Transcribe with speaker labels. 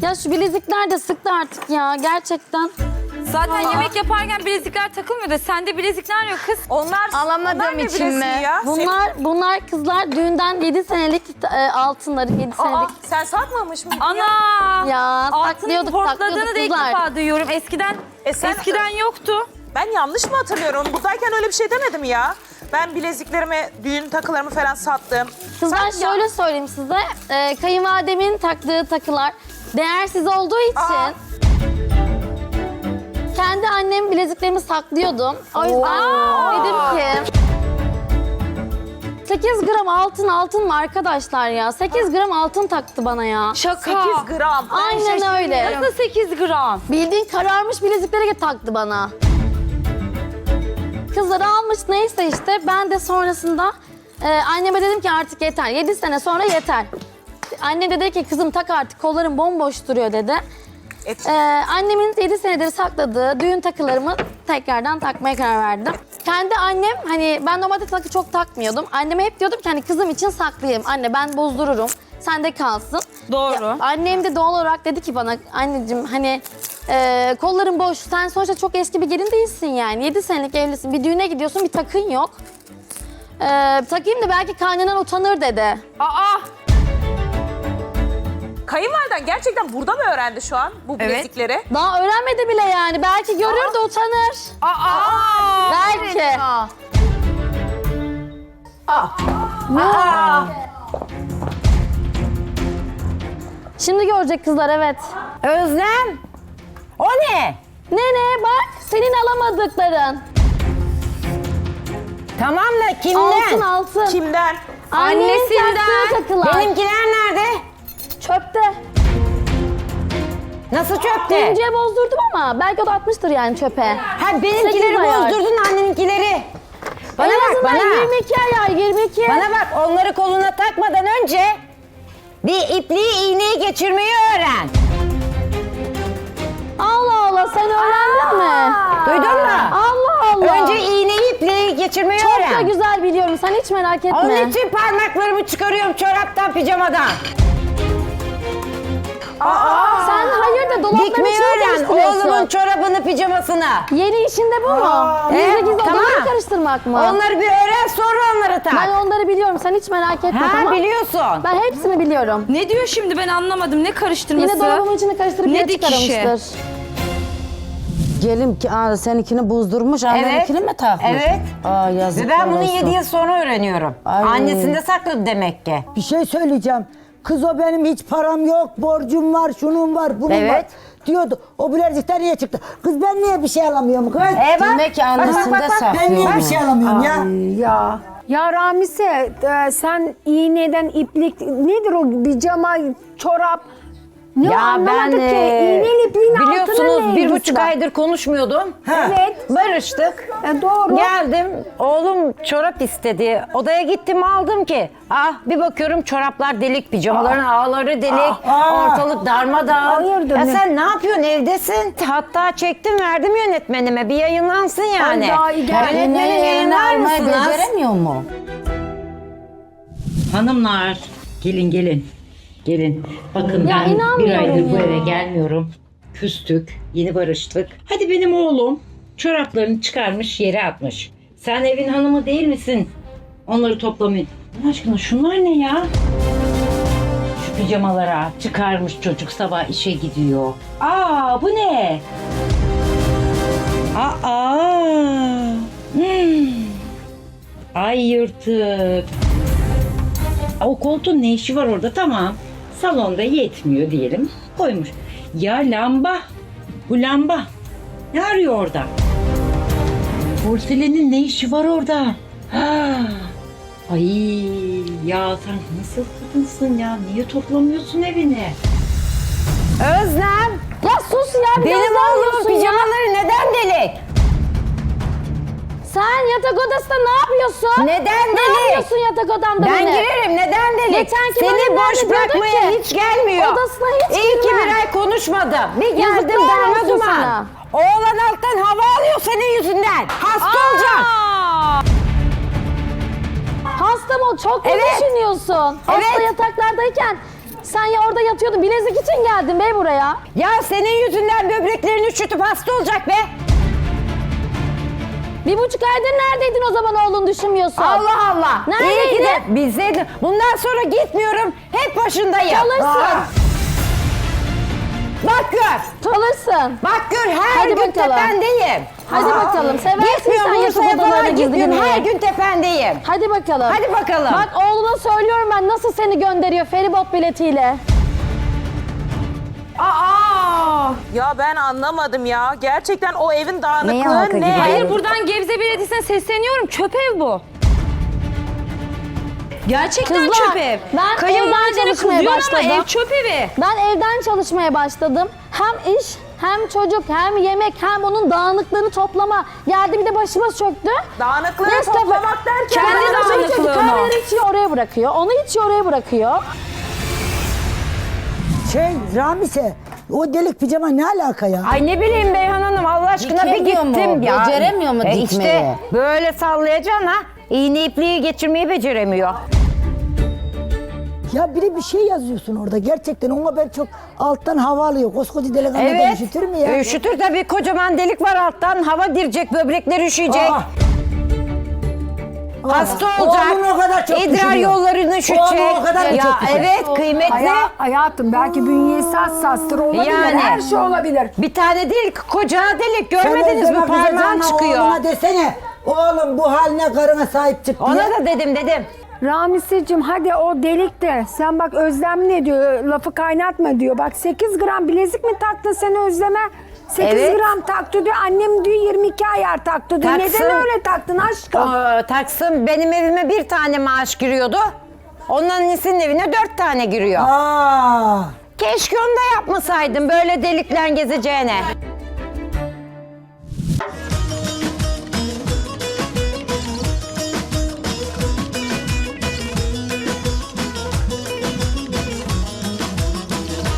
Speaker 1: Ya şu bilezikler de sıktı artık ya gerçekten.
Speaker 2: Zaten yemek yaparken bilezikler takılmıyor da sende bilezikler yok kız.
Speaker 3: Alamadığım
Speaker 4: ne
Speaker 3: için
Speaker 4: bileziği
Speaker 3: mi?
Speaker 4: ya?
Speaker 1: Bunlar kızlar düğünden 7 senelik altınları 7
Speaker 4: Aa,
Speaker 1: senelik.
Speaker 4: sen satmamış mıydın
Speaker 2: Ana!
Speaker 1: Ya
Speaker 2: Altının
Speaker 1: saklıyorduk
Speaker 2: portladığını da ilk
Speaker 1: kızlar.
Speaker 2: defa duyuyorum. Eskiden yoktu.
Speaker 4: Ben yanlış mı hatırlıyorum? Buradayken öyle bir şey demedim ya. Ben bileziklerimi, düğün takılarımı falan sattım.
Speaker 1: Kızlar
Speaker 4: Sen-
Speaker 1: şöyle söyleyeyim size. Kayınvalidemin taktığı takılar değersiz olduğu için
Speaker 4: Aa.
Speaker 1: kendi annem bileziklerimi saklıyordum. O yüzden dedim ki 8 gram altın mı arkadaşlar ya? 8 gram altın taktı bana ya.
Speaker 2: Şaka.
Speaker 4: 8 gram.
Speaker 1: Aynen öyle.
Speaker 2: Nasıl 8 gram?
Speaker 1: Bildiğin kararmış bilezikleri taktı bana. Kızları almış neyse işte ben de sonrasında anneme dedim ki artık yeter. 7 sene sonra yeter. Annem de dedi ki kızım tak artık kolların bomboş duruyor dedi. Annemin 7 senedir sakladığı düğün takılarımı tekrardan takmaya karar verdim. Kendi annem hani ben normalde takı çok takmıyordum. Anneme hep diyordum ki hani kızım için saklayayım. Anne ben bozdururum. Sende kalsın.
Speaker 2: Doğru.
Speaker 1: Ya, annem de doğal olarak dedi ki bana anneciğim hani kolların boş. Sen sonuçta çok eski bir gelin değilsin yani. 7 senelik evlisin. Bir düğüne gidiyorsun bir takın yok. Takayım da belki kaynanan utanır dedi.
Speaker 2: Aa!
Speaker 4: Kayınvaliden gerçekten burada mı öğrendi şu an bu bilezikleri?
Speaker 1: Daha öğrenmedi bile yani. Belki görür de utanır. Belki. Şimdi görecek kızlar evet.
Speaker 3: Özlem. O ne?
Speaker 1: Nene bak senin alamadıkların.
Speaker 3: Tamam da kimden?
Speaker 1: Altın.
Speaker 4: Kimden?
Speaker 1: Annenin
Speaker 2: Annesinden.
Speaker 1: taktığı takılar.
Speaker 3: Benimkiler nerede?
Speaker 1: Çöpte.
Speaker 3: Nasıl çöpte?
Speaker 1: İnciye bozdurdum ama belki o da atmıştır yani çöpe.
Speaker 3: Ha benimkileri
Speaker 1: 8 ayar.
Speaker 3: bozdurdun anneninkileri. Bana
Speaker 1: En
Speaker 3: bak
Speaker 1: azından
Speaker 3: bana.
Speaker 1: 22 ayar 22.
Speaker 3: Bana bak onları koluna takmadan önce bir ipliği iğneyi geçirmeyi öğren.
Speaker 1: Allah Allah sen öğrendin mi?
Speaker 3: Duydun mu?
Speaker 1: Allah Allah.
Speaker 3: Önce iğneyi ipliği geçirmeyi
Speaker 1: çok
Speaker 3: öğren.
Speaker 1: da güzel biliyorum sen hiç merak etme.
Speaker 3: Onun için parmaklarımı çıkarıyorum çoraptan pijamadan.
Speaker 1: Sen hayırdır dolapların
Speaker 3: Dikmeyi
Speaker 1: içine
Speaker 3: öğren
Speaker 1: karıştırıyorsun.
Speaker 3: oğlumun çorabını pijamasına.
Speaker 1: Yeni işinde bu mu? Gizli gizli
Speaker 3: tamam.
Speaker 1: odaları karıştırmak mı?
Speaker 3: Onları bir öğren sonra onları tak.
Speaker 1: Ben onları biliyorum sen hiç merak etme
Speaker 3: Ha
Speaker 1: tamam.
Speaker 3: biliyorsun.
Speaker 1: Ben hepsini biliyorum.
Speaker 2: Ne diyor şimdi ben anlamadım. Ne karıştırması?
Speaker 1: Yine dolabımın içine karıştırıp
Speaker 2: Ne
Speaker 1: yere
Speaker 2: dikişi?
Speaker 1: çıkarmıştır.
Speaker 5: Gelin ki seninkini bozdurmuş, anneninkini mi takmış?
Speaker 3: Evet.
Speaker 5: Aa, yazıklar
Speaker 3: Ve ben bunu
Speaker 5: olsun.
Speaker 3: 7 yıl sonra öğreniyorum.
Speaker 5: Ay.
Speaker 3: Annesinde sakladı demek ki.
Speaker 6: Bir şey söyleyeceğim. Kız o benim hiç param yok, borcum var, şunun var, bunun var
Speaker 3: Evet.
Speaker 6: diyordu. O bilezikler niye çıktı? Kız ben niye bir şey alamıyorum kız?
Speaker 3: Bak.
Speaker 5: Demek ki annesinde
Speaker 6: Ben niye
Speaker 5: saklıyor.
Speaker 6: bir şey alamıyorum ya?
Speaker 7: Ya Ramise sen iğneden iplik nedir o pijama çorap ne anlamadık ki iğneyle ipliğin altının ne
Speaker 3: biliyorsunuz
Speaker 7: ilgisi
Speaker 3: 1,5
Speaker 7: var?
Speaker 3: aydır konuşmuyordum.
Speaker 7: Evet
Speaker 3: Barıştık.
Speaker 7: doğru.
Speaker 3: Geldim oğlum çorap istedi. Odaya gittim aldım ki. Bir bakıyorum çoraplar delik, pijamaların ağları delik, ortalık darmadağın.
Speaker 7: Hayırdır
Speaker 3: Ya
Speaker 7: ne?
Speaker 3: sen ne yapıyorsun evdesin? Hatta çektim verdim yönetmenime bir yayınlansın yani.
Speaker 7: Ay, daha iyi gel.
Speaker 3: Yönetmenim yayınlar
Speaker 5: almayı
Speaker 3: mısınız?
Speaker 5: beceremiyor mu?
Speaker 8: Hanımlar, gelin gelin. Gelin. Bakın
Speaker 1: Ya
Speaker 8: ben bir
Speaker 1: inanmıyorum
Speaker 8: aydır bu
Speaker 1: ya.
Speaker 8: eve gelmiyorum. Küstük, yeni barıştık. Hadi benim oğlum çoraplarını çıkarmış yere atmış. Sen evin hanımı değil misin? Onları toplamayın. Allah aşkına şunlar ne ya? Şu pijamalara çıkarmış çocuk sabah işe gidiyor. Bu ne? Ay yırtık. O koltuğun ne işi var orada? Tamam. Salonda yetmiyor diyelim. Koymuş. Ya lamba. Bu lamba. Ne arıyor orada? Porselenin ne işi var orada? Ay ya sen nasıl kadınsın ya? Niye toplamıyorsun evini?
Speaker 3: Özlem
Speaker 1: Ya sus ya bir
Speaker 3: benim
Speaker 1: gözler
Speaker 3: oğlumun
Speaker 1: yiyorsun ya.
Speaker 3: pijamaları neden delik?
Speaker 1: Sen yatak odasında ne yapıyorsun?
Speaker 3: Neden
Speaker 1: Ne
Speaker 3: delik?
Speaker 1: yapıyorsun yatak odamda
Speaker 3: Ben
Speaker 1: beni?
Speaker 3: girerim. Neden delik?
Speaker 1: Geçenki
Speaker 3: Seni
Speaker 1: bölümlerde
Speaker 3: boş
Speaker 1: diyordun
Speaker 3: bırakmaya
Speaker 1: ki,
Speaker 3: hiç gelmiyor.
Speaker 1: odasına hiç
Speaker 3: İyi ki
Speaker 1: girmem.
Speaker 3: bir ay konuşmadım. Bir geldim
Speaker 1: Yazıklar
Speaker 3: darma
Speaker 1: olsun
Speaker 3: duman.
Speaker 1: sana.
Speaker 3: Oğlan alttan hava alıyor senin yüzünden. Hasta olacak.
Speaker 1: Hasta mı? Çok mu
Speaker 3: Evet.
Speaker 1: düşünüyorsun? Hasta
Speaker 3: Evet.
Speaker 1: yataklardayken Sen ya orada yatıyordun. Bilezik için geldin be buraya.
Speaker 3: Ya senin yüzünden böbreklerini üşütüp hasta olacak be.
Speaker 1: 1,5 aydır neredeydin o zaman oğlun düşünmüyorsun?
Speaker 3: Allah Allah.
Speaker 1: Neredeydin?
Speaker 3: İyi ki de bizdeydin. Bundan sonra gitmiyorum. Hep başındayım.
Speaker 1: Çalışsın.
Speaker 3: Bak gör.
Speaker 1: Çalışsın.
Speaker 3: Bak gör her
Speaker 1: Hadi
Speaker 3: gün
Speaker 1: bakalım.
Speaker 3: tependeyim.
Speaker 1: Hadi bakalım. Seversin
Speaker 3: Gitmiyorum
Speaker 1: sen YouTube
Speaker 3: Bursa'ya
Speaker 1: odalarına
Speaker 3: falan
Speaker 1: gizli
Speaker 3: gitmiyorum.
Speaker 1: girmeyi.
Speaker 3: Her gün tependeyim.
Speaker 1: Hadi bakalım.
Speaker 3: Hadi bakalım.
Speaker 1: Bak oğluna söylüyorum ben nasıl seni gönderiyor feribot biletiyle.
Speaker 3: Aa!
Speaker 4: Ya ben anlamadım ya. Gerçekten o evin
Speaker 3: Neye
Speaker 4: dağınıklığı
Speaker 3: halka
Speaker 4: ne?
Speaker 3: gibi?
Speaker 2: Hayır buradan Gebze Belediyesi'ne sesleniyorum. Çöp ev bu. Gerçekten
Speaker 1: Kızlar,
Speaker 2: çöp ev.
Speaker 1: ben
Speaker 2: Kayınvalidene
Speaker 1: evden çalışmaya
Speaker 2: kızıyorsun ama
Speaker 1: başladım.
Speaker 2: ev çöp evi.
Speaker 1: Ben evden çalışmaya başladım. Hem iş, hem çocuk, hem yemek, hem onun dağınıklığını toplama. Geldi bir de başıma çöktü.
Speaker 4: Dağınıklığı
Speaker 1: Nescafe-
Speaker 4: toplamak derken...
Speaker 2: Kendi
Speaker 1: Kahveleri
Speaker 2: dağınıklığını.
Speaker 1: içiyor, kahveleri içiyor oraya bırakıyor. Onu içiyor oraya bırakıyor.
Speaker 6: Ramise, o delik pijama ne alaka ya?
Speaker 3: Ay ne bileyim Beyhan Hanım Allah aşkına bir
Speaker 5: Dikemiyor mu?
Speaker 3: gittim ya.
Speaker 5: Beceremiyor mu dikmeyi?
Speaker 3: İşte böyle sallayacaksın ha. İğne ipliği geçirmeyi beceremiyor.
Speaker 6: Ya biri bir şey yazıyorsun orada gerçekten ona ben çok alttan hava alıyor. Koskoca delikanlı
Speaker 3: Evet.
Speaker 6: üşütür mü ya?
Speaker 3: Üşütür tabii kocaman delik var alttan. Hava girecek, böbrekler üşüyecek.
Speaker 6: Aa.
Speaker 3: Hasta
Speaker 6: Aa,
Speaker 3: olacak.
Speaker 6: oğlum o kadar çok
Speaker 3: İdrar
Speaker 6: düşünüyor.
Speaker 3: yollarını üşütecek.
Speaker 6: Oğlum o kadar
Speaker 3: ya
Speaker 6: çok düşünüyor.
Speaker 3: evet kıymetli.
Speaker 7: Hayatım belki bünyesi hassastır olabilir.
Speaker 3: Yani.
Speaker 7: Her şey olabilir.
Speaker 3: Bir tane değil koca delik.
Speaker 6: Sen
Speaker 3: Görmediniz mi
Speaker 6: Özlem
Speaker 3: parmağım
Speaker 6: kızacağına
Speaker 3: çıkıyor.
Speaker 6: Oğluna desene. Oğlum bu haline karına sahip çık diye.
Speaker 3: Ona da dedim.
Speaker 7: Ramiseciğim hadi o delikte. Sen bak Özlem ne diyor? Lafı kaynatma diyor. Bak 8 gram bilezik mi taktın sen Özlem'e? 8
Speaker 3: Evet.
Speaker 7: gram taktı diyor. Annem diyor 22 ayar taktı diyor.
Speaker 3: Taksın.
Speaker 7: Neden öyle taktın aşkım?
Speaker 3: Taksım benim evime bir tane maaş giriyordu. Onların annesinin evine 4 tane giriyor.
Speaker 6: Aa.
Speaker 3: Keşke onu da yapmasaydım böyle delikler gezeceğine.